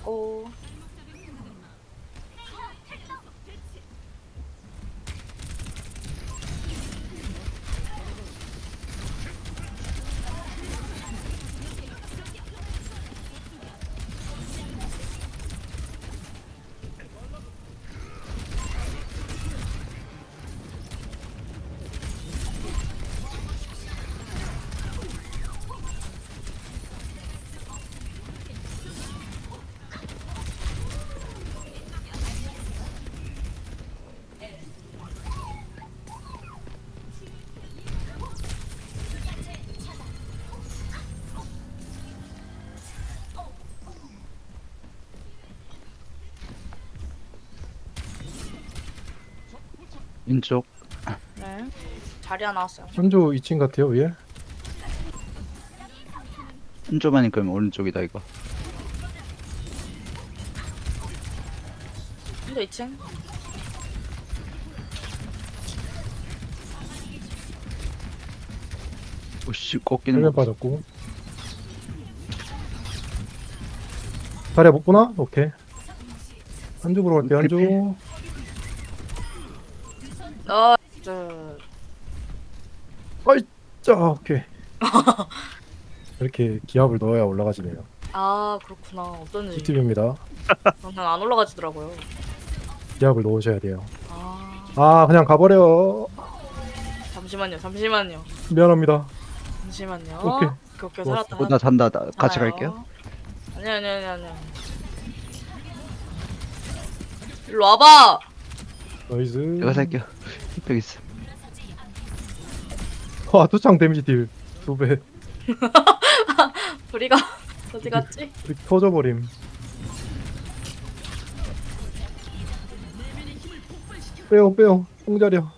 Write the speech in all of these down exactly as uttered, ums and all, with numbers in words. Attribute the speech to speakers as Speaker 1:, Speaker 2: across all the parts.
Speaker 1: 고.
Speaker 2: 왼쪽.
Speaker 1: 네. 자리야 나왔어요.
Speaker 3: 한조 이 층 같아요 위에.
Speaker 2: 한조만이 그러면 오른쪽이다 이거.
Speaker 1: 한조 이 층.
Speaker 2: 오씨 꺾이는
Speaker 3: 헬멧
Speaker 2: 거.
Speaker 3: 빠졌고. 다리야 못 보나? 오케이. 한조 보러 갈게요. 한조.
Speaker 1: 어, 저,
Speaker 3: 자 오케이. 이렇게 기압을 넣어야 올라가지네요.
Speaker 1: 아, 그렇구나. 어쩐지.
Speaker 3: 꿀팁입니다.
Speaker 1: 저는 안 올라가지더라고요.
Speaker 3: 기압을 넣으셔야 돼요.
Speaker 1: 아,
Speaker 3: 아 그냥 가버려.
Speaker 1: 잠시만요, 잠시만요.
Speaker 3: 미안합니다.
Speaker 1: 잠시만요.
Speaker 3: 오케이.
Speaker 1: 오케이,
Speaker 3: 좋았어.
Speaker 1: 살았다.
Speaker 2: 어, 나 잔다. 나 같이
Speaker 1: 살아요.
Speaker 2: 갈게요.
Speaker 1: 아니야, 아니야, 아니야, 아니야. 일로 와봐!
Speaker 3: 나이스.
Speaker 2: 내가 살게요. 힙백 있어.
Speaker 3: 와 투창 데미지 딜 두 배.
Speaker 1: 우리가 어디 갔지?
Speaker 3: 이렇게 터져버림. 빼요 빼요. 뽕자려.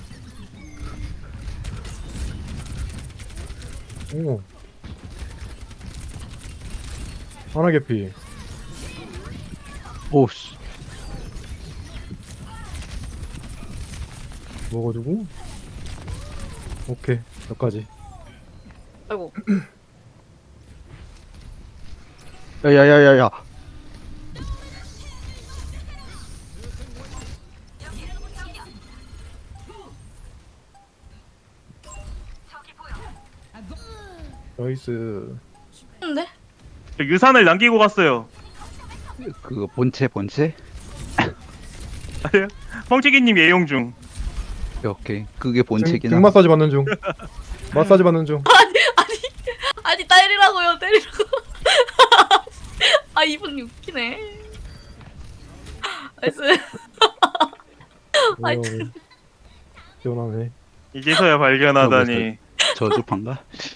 Speaker 3: 오. 하나 개피.
Speaker 2: 오씨.
Speaker 3: 먹어주고. 오케이 여기까지.
Speaker 1: 아이고.
Speaker 2: 야야야야야.
Speaker 3: 나이스.
Speaker 1: 근데?
Speaker 4: 저 유산을 남기고 갔어요.
Speaker 2: 그거 본체 본체.
Speaker 4: 아니요? 펑치기님 예용 중.
Speaker 2: 오케이, 오케이. 그게
Speaker 3: 등,
Speaker 2: 본체긴
Speaker 3: 등
Speaker 2: 함.
Speaker 3: 마사지 받는 중. 마사지 받는 중.
Speaker 1: 아니, 때리라고요, 때리라고. 아, 이분 웃기네. 나이스.
Speaker 3: 어, 시원하네.
Speaker 4: 이제서야 발견하다니.
Speaker 2: 저주판가?